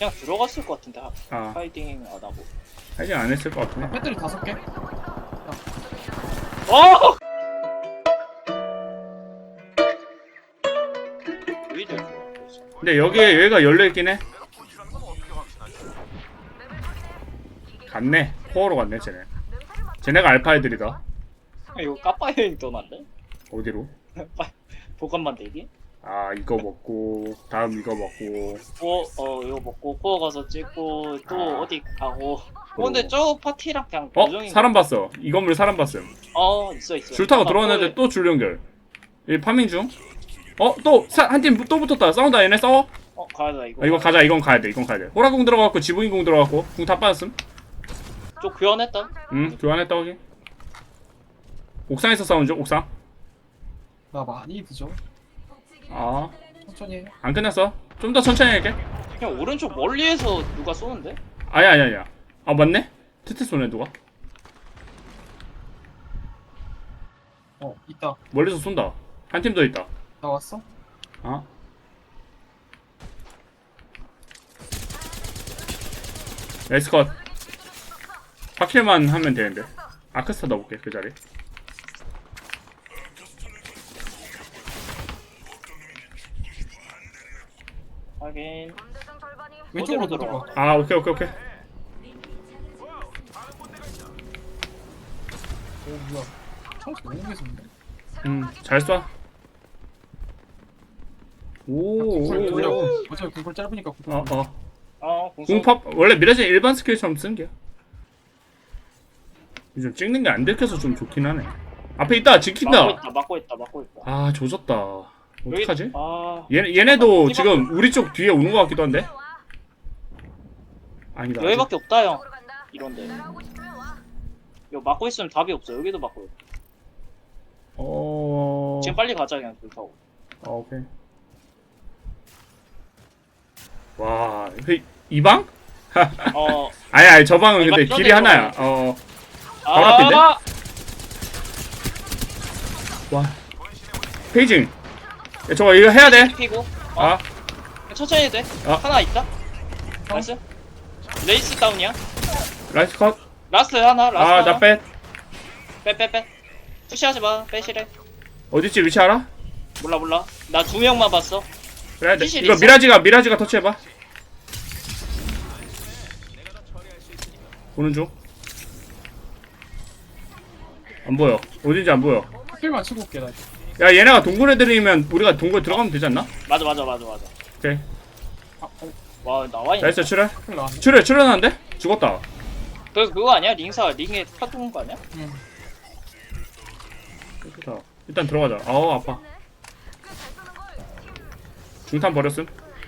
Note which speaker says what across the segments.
Speaker 1: 그냥 들어갔을 것 같은데
Speaker 2: 아
Speaker 1: 하이딩 안 하고.
Speaker 2: 하이딩 안 했을 것 같은데.
Speaker 3: 배터리 5개?
Speaker 1: 어! 오히려 좋아.
Speaker 2: 근데 여기가 열려있긴 해. 갔네. 코어로 갔네 쟤네가 알파 애들이다.
Speaker 1: 이거 까빠 여행 떠난데?
Speaker 2: 어디로?
Speaker 1: 보관 만들기?
Speaker 2: 아 이거 먹고 다음 이거 먹고.
Speaker 1: 이거 먹고 코어 가서 찍고 또
Speaker 2: 아.
Speaker 1: 어디 가고. 근데 저 파티랑 그냥 고정인
Speaker 2: 사람 봤어. 이 건물 사람 봤음.
Speaker 1: 있어.
Speaker 2: 줄 타고 들어왔는데 또 줄 연결. 이 파밍 중. 또 한 팀 또 붙었다. 싸운다 얘네 싸워.
Speaker 1: 가야다 이거.
Speaker 2: 이거 가자. 이건 가야 돼. 호라궁 들어갔고 지붕인궁 들어갔고 궁 다 빠졌음.
Speaker 1: 좀 교환했다.
Speaker 2: 교환했다 거기. 옥상에서 싸운 중 옥상.
Speaker 3: 나 많이 늦어.
Speaker 2: 아
Speaker 3: 천천히 해.
Speaker 2: 안 끝났어. 좀 더 천천히 할게.
Speaker 1: 그냥 오른쪽 멀리에서 누가 쏘는데?
Speaker 2: 아니야. 아 맞네. 트트 쏘네 누가.
Speaker 3: 있다.
Speaker 2: 멀리서 쏜다. 한 팀 더 있다.
Speaker 3: 나 왔어?
Speaker 2: 아 에스컷. 파킬만 하면 되는데. 아크스타 넣어볼게 그 자리.
Speaker 1: 하긴.
Speaker 3: 왼쪽으로
Speaker 1: 어디로
Speaker 3: 들어가.
Speaker 2: 아 오케이.
Speaker 3: 오 뭐야. 청소 너무 계속인데.
Speaker 2: 잘 쏴.
Speaker 3: 궁을 돌려.
Speaker 2: 오.
Speaker 3: 어차피 궁을 짧으니까 궁.
Speaker 2: 궁팝 원래 미라진 일반 스킬처럼 쓴 게. 요즘 찍는 게 안 들켜서 좀 좋긴 하네. 앞에 있다. 지킨다.
Speaker 1: 막고 있다.
Speaker 2: 아 조졌다. 어떡하지? 얘네도
Speaker 1: 여기
Speaker 2: 지금 우리 쪽 뒤에 오는 것 같기도 한데. 아니다.
Speaker 1: 여기밖에 없다 형. 이런데. 이거 막고 있으면 답이 없어. 여기도 막고 있어. 지금 빨리 가자 그냥 불 타고.
Speaker 2: 오케이. 와, 이 방? 아니 저 방은 근데 길이 하나야. 바로 앞인데? 와. 페이징. 야, 저거 이거 해야 돼.
Speaker 1: 피고.
Speaker 2: 아,
Speaker 1: 천천히 해도 돼. 하나 있다. 나이스. 레이스 다운이야.
Speaker 2: 라이트 컷.
Speaker 1: 라스트 하나.
Speaker 2: 나 뺏.
Speaker 1: 빼. 푸시하지 마. 빼시래.
Speaker 2: 어디지 위치 알아?
Speaker 1: 몰라. 나 2명만 봤어.
Speaker 2: 그래,
Speaker 1: 피실
Speaker 2: 이거
Speaker 1: 있어?
Speaker 2: 미라지가 터치해봐. 보는 중. 안 보여. 어딘지 안 보여.
Speaker 3: 필만 치고 올게 나.
Speaker 2: 야, 얘네가 동굴 애들이면 우리가 동굴 들어가면 되지 않나?
Speaker 1: 맞아.
Speaker 2: 오케이.
Speaker 1: 와 나와 있네.
Speaker 2: 나이스, 출혈.
Speaker 3: 필 나왔네.
Speaker 2: 출혈하는데? 죽었다.
Speaker 1: 그거 아니야? 링에 파도는 거 아니야?
Speaker 3: 응.
Speaker 2: 좋다. 일단 들어가자. 아우, 아파. 중탄 버렸음.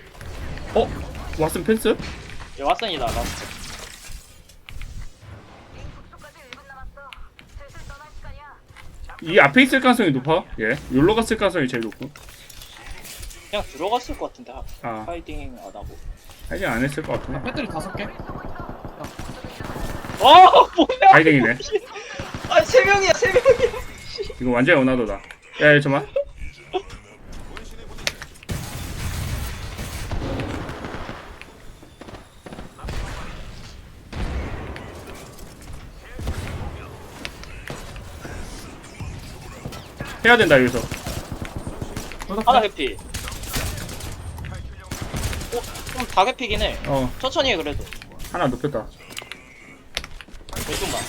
Speaker 2: 왓슨 펜스?
Speaker 1: 얘 왓슨이다 라스트.
Speaker 2: 이 앞에 있을 가능성이 높아. 예. 욜로 갔을 가능성이 제일 높고.
Speaker 1: 그냥 들어갔을 것 같은데 하이딩 안 하고.
Speaker 2: 하이딩 안 했을 것 같은데.
Speaker 3: 배터리 5개?
Speaker 1: 뭐야?
Speaker 2: 하이딩이네.
Speaker 1: 3명이야.
Speaker 2: 이거 완전히 원하도다. 야, 잠깐만. 해야 된다 여기서.
Speaker 1: 하나 개피. 좀 다 개피긴 해. 천천히 해 그래도.
Speaker 2: 하나 눕혔다.
Speaker 1: 왼쪽만.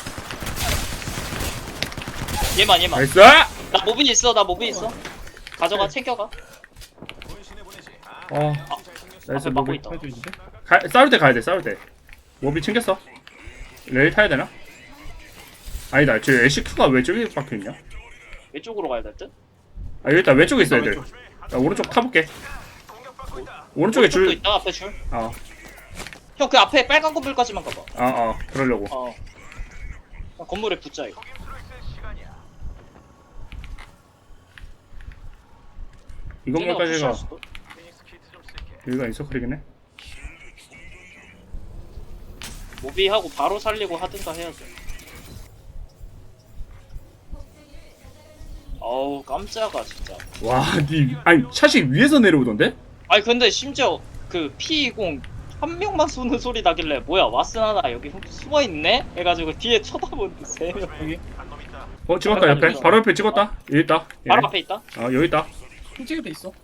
Speaker 1: 얘만.
Speaker 2: 나이스!
Speaker 1: 나 모빈 있어. 가져가 챙겨가.
Speaker 2: 나이스.
Speaker 1: 앞에 막고
Speaker 2: 모비.
Speaker 1: 있다.
Speaker 3: 해도 있는데?
Speaker 2: 싸울 때 가야 돼. 싸울 때. 모비 챙겼어. 레일 타야 되나? 아니다. 저 애쉬큐가 왜 저기 박혀있냐?
Speaker 1: 왼쪽으로 가야 될 듯?
Speaker 2: 여기 있다. 왼쪽에 있어 애들. 나 오른쪽 타볼게. 오른쪽에
Speaker 1: 줄
Speaker 2: 줄.
Speaker 1: 있다. 앞에 줄.
Speaker 2: 어.
Speaker 1: 형 그 앞에 빨간 건물까지만 가봐.
Speaker 2: 그러려고.
Speaker 1: 건물에 붙자 이거.
Speaker 2: 이 건물까지가
Speaker 1: 수도?
Speaker 2: 여기가 인서클이긴 해.
Speaker 1: 모비하고 바로 살리고 하든가 해야죠. 어우 깜짝아 진짜.
Speaker 2: 와, 아니 샷이 위에서 내려오던데?
Speaker 1: 아니 근데 심지어 그 P20 한 명만 쏘는 소리 나길래 뭐야 와스나나 여기 숨어 있네 해가지고 뒤에 쳐다보는데 3명.
Speaker 3: 여기
Speaker 2: 찍었다 옆에. 바로 옆에 찍었다. 여기 있다.
Speaker 1: 바로
Speaker 2: 얘네.
Speaker 1: 앞에 있다.
Speaker 2: 여기 있다.
Speaker 3: 핑찍에 돼 있어.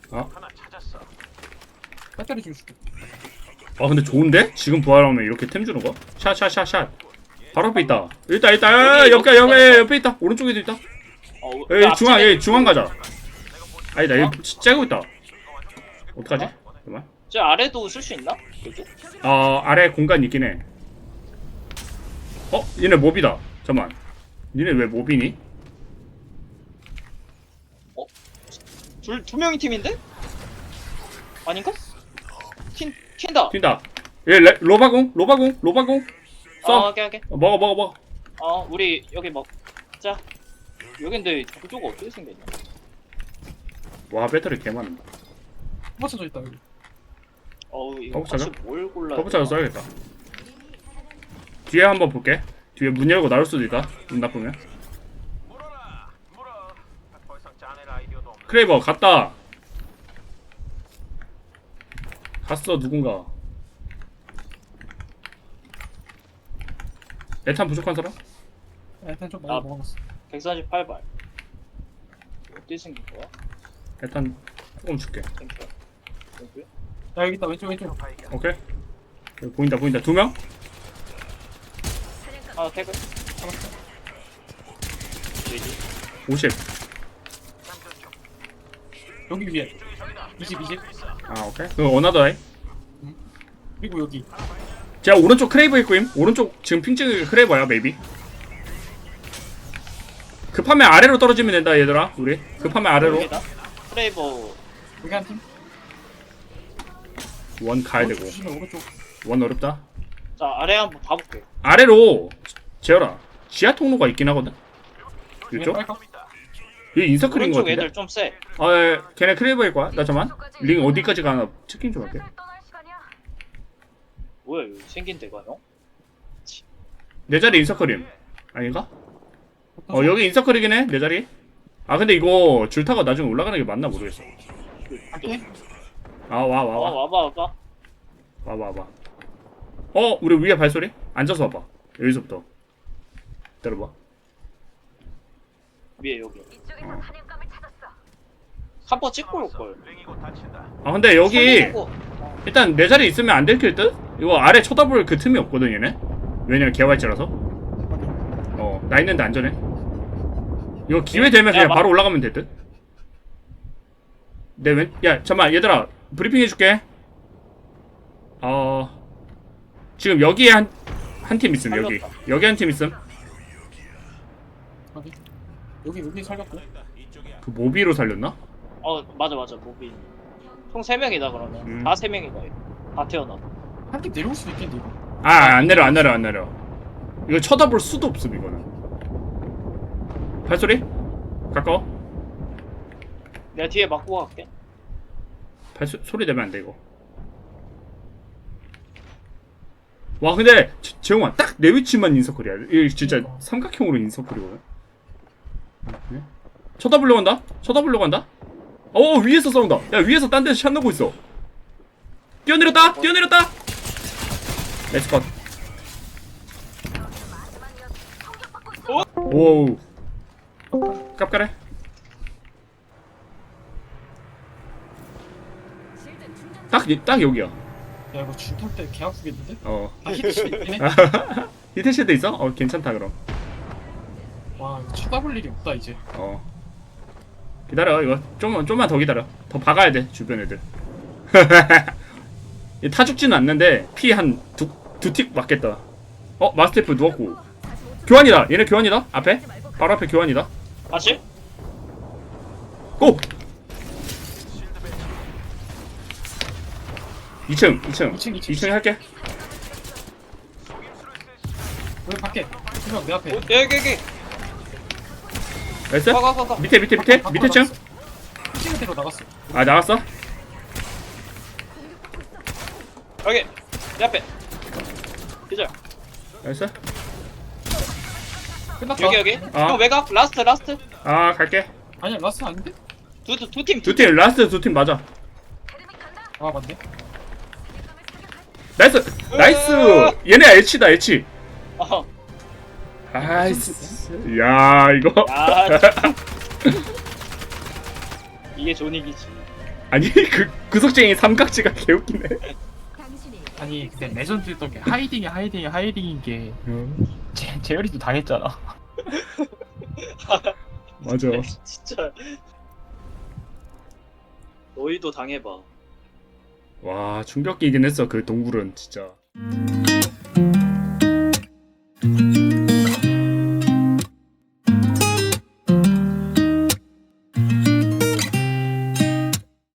Speaker 3: 배터리 좀 줄게.
Speaker 2: 근데 좋은데? 지금 부활하면 이렇게 템 주는 거? 샷. 바로 앞에 있다. 여기 있다. 옆에 있다. 오른쪽에도 있다. 여기 중앙 가자. 아니다. 여기 째고 있다. 어떡하지? 잠깐만.
Speaker 1: 저 아래도 쓸 수 있나? 여기?
Speaker 2: 아래 공간 있긴 해. 얘네 몹이다. 잠깐만. 니네 왜 몹이니?
Speaker 1: 두 명이 팀인데? 아닌가? 튄다.
Speaker 2: 튄다. 얘 로바공. 써.
Speaker 1: 오케이.
Speaker 2: 먹어.
Speaker 1: 우리 여기 먹자. 여기 근데 구조가 어떻게 생겼냐?
Speaker 2: 와, 배터리 개 많은다.
Speaker 3: 맞춰져 있다 여기.
Speaker 1: 이거
Speaker 2: 버프 찾아?
Speaker 1: 혹시 뭘 골라야
Speaker 2: 버프 찾아 써야겠다. 뒤에 한번 볼게. 뒤에 문 열고 나올 수도 있다. 문 나쁘면. 크레이버 갔다. 갔어 누군가. 에탄 부족한 사람?
Speaker 3: 일단 좀 많이 먹었어.
Speaker 1: 148발. 어떻게 생긴 거야?
Speaker 2: 에탄 조금 줄게.
Speaker 1: 땡큐.
Speaker 3: 야 여기 있다 왼쪽.
Speaker 2: 오케이. 여기 보인다. 2명?
Speaker 1: 태그. 잡았어.
Speaker 2: 50.
Speaker 3: 여기 위에 20.
Speaker 2: 오케이. 그럼 어나더이.
Speaker 3: 그리고 여기
Speaker 2: 제가 오른쪽 크레이버 있고임. 오른쪽 지금 핑 찍은 게 크레이버야 메이비. 급하면 아래로 떨어지면 된다 얘들아. 우리 급하면 아래로.
Speaker 1: 여기다. 프레이버.
Speaker 3: 여기 한 팀.
Speaker 2: 원 가야 되고.
Speaker 3: 조심해 오른쪽.
Speaker 2: 원 어렵다.
Speaker 1: 자 아래 한번 봐볼게.
Speaker 2: 아래로 재열아. 지하 통로가 있긴 하거든. 이쪽?
Speaker 3: 빨까?
Speaker 2: 얘 인서클인 거
Speaker 1: 오른쪽
Speaker 2: 같은데?
Speaker 1: 애들 좀 세.
Speaker 2: 걔네 크레이버일 거야. 나 잠만. 링 어디까지 가나 체킹 좀 할게.
Speaker 1: 뭐야 여기 생긴 데가 형?
Speaker 2: 내 자리 인서클임. 아닌가? 여기 인서클이긴 해. 내 자리. 근데 이거 줄 타고 나중에 올라가는 게 맞나 모르겠어.
Speaker 3: 갈게.
Speaker 1: 와봐.
Speaker 2: 와봐. 우리 위에 발소리? 앉아서 와봐. 여기서부터. 기다려봐.
Speaker 1: 위에 여기. 한 번 찍고 올걸.
Speaker 2: 근데 여기 일단 내 자리 있으면 안 들킬 듯? 이거 아래 쳐다볼 그 틈이 없거든 얘네. 왜냐면 개활지라서. 나 있는데 안전해. 이거 기회 되면 그냥 바로 올라가면 될 듯? 야 잠깐만 얘들아 브리핑 해줄게. 지금 여기에 한 팀 있음. 여기 한 팀 있음.
Speaker 3: 여기 살렸고.
Speaker 2: 그 모비로 살렸나?
Speaker 1: 맞아 모비. 총 3명이다 그러면. 다 3명이다. 다 태어나.
Speaker 3: 한 팀 내려올 수도 있겠는데 이거.
Speaker 2: 안 내려. 이거 쳐다볼 수도 없음 이거는. 발소리? 가까워?
Speaker 1: 내가 뒤에 맞고 갈게.
Speaker 2: 소리 내면 안 돼 이거. 와 근데 재홍아 딱 내 위치만 인서클이야. 이거 진짜 삼각형으로 인서클이거든. 쳐다보려고 한다. 위에서 싸운다. 야 위에서 딴 데서 샷 넣고 있어. 뛰어내렸다. 렛츠 컷. 오우 깝까래. 딱 여기야.
Speaker 3: 야 이거 줄 탈 때 개 아프겠는데?
Speaker 2: 히트시
Speaker 3: 있네.
Speaker 2: 히트시드 있어? 괜찮다 그럼.
Speaker 3: 와 이거 쳐다볼 일이 없다 이제.
Speaker 2: 기다려 이거 좀만 더 기다려. 더 박아야 돼 주변 애들. 타 죽지는 않는데 피 한 두 틱 맞겠다. 마스테프 누웠고 교환이다. 얘네 교환이다. 바로 앞에 교환이다.
Speaker 1: 다시?
Speaker 2: 고! 2층 할게.
Speaker 3: 여기 밖에 두명 내 앞에.
Speaker 1: 여기.
Speaker 2: 나이스?
Speaker 1: 가.
Speaker 2: 밑에 층?
Speaker 3: 층으로 나갔어.
Speaker 2: 나갔어?
Speaker 1: 여기. 내 앞에. 기절.
Speaker 2: 나이스?
Speaker 3: 끝났다.
Speaker 1: 여기. 형 외곽. 라스트.
Speaker 2: 갈게.
Speaker 3: 아니야 라스 아닌데?
Speaker 1: 두 팀.
Speaker 2: 라스트 두 팀 맞아.
Speaker 3: 맞네.
Speaker 2: 나이스 나이스. 얘네 H다 H.
Speaker 1: 어.
Speaker 2: 아이스. 야 이거.
Speaker 1: 야, 진짜. 이게 존이기지.
Speaker 2: 아니 그 구석쟁이 삼각지가 개웃기네.
Speaker 3: 아니 근데 레전드 했던 게 하이딩인 게 재열이도 당했잖아.
Speaker 2: 맞아.
Speaker 1: 진짜. 너희도 당해봐.
Speaker 2: 와 충격이긴 했어 그 동굴은 진짜.